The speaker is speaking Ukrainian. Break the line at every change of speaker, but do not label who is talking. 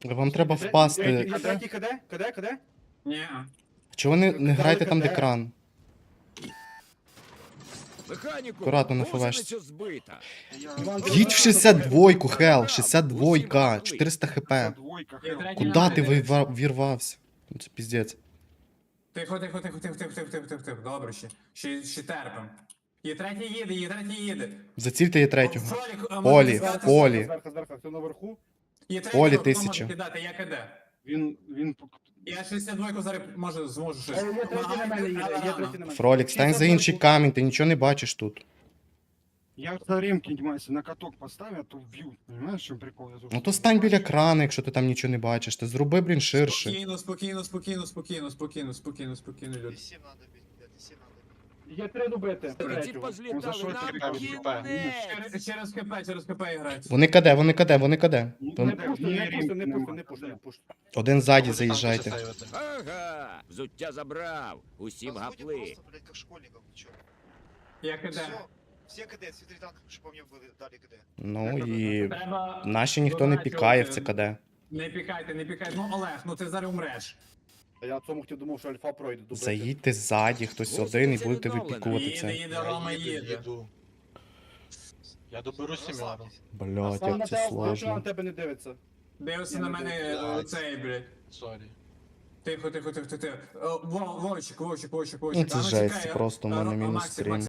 Вам треба впасти.
Третій КД?
Ні.
Чого ви не граєте там, де кран?
Механіку,
Акуратно на
гусениця
флешці.
збита.
Їдь в 62-ку, Хел, 62-ка, 400 хп.
Двойка,
Є
хел.
третій
Куда
на
ти
мене.
вірвався? Ну, це піздець.
Тихо. Добре ще. Ще терпим. Є третій їде.
Зацільте є третього.
Фролік,
Полі,
може, зверху.
полі.
Зверху, хто наверху?
Є третій,
Полі
хто може
1000.
кидати, я КД.
Він...
Я 62 зараз зможу щось.
Є третій на мене їде, є третій на мене.
Фролік, стань за інший камінь, ти нічого не бачиш тут.
Я за ремки, если на каток поставят, то вб'ють. Понимаешь, в чому прикол? Я
Ну то стань біля крана, якщо ти там нічого не бачиш. Ти зроби, блін, ширше.
Спокійно, люди.
Висім надо бить, блядь, висім надо бить.
Є три добити.
Ці
Он за
позлітали
що
нам
ти
кінець.
Через ХП грають.
Вони каде.
Не пушти.
Один ззаді заїжджайте.
Ага, взуття забрав. Усім
Разводим
гапли.
просто, блядь, как школьников, чё.
Я КД.
Все КД, смотри танк, чтобы мне были, дали КД.
Ну і
Треба...
наші ніхто не пікає в це каде.
Не пікайте. Ну, Олег, ну ти зараз умреш.
А я цьому хотів думав, що альфа пройде. добити.
Заїдьте ззаді, хтось один і будете випікувати це.
Їде, Рома їде.
Їду. Я доберу Сім'яну.
Блять,
Сам на
як це
тебе,
сложно.
на тебе не дивиться.
Дивився на мене цей, блядь.
Сорі.
Тихо. Вовчик.
Ну це жесть, це просто у мене мінус стрім.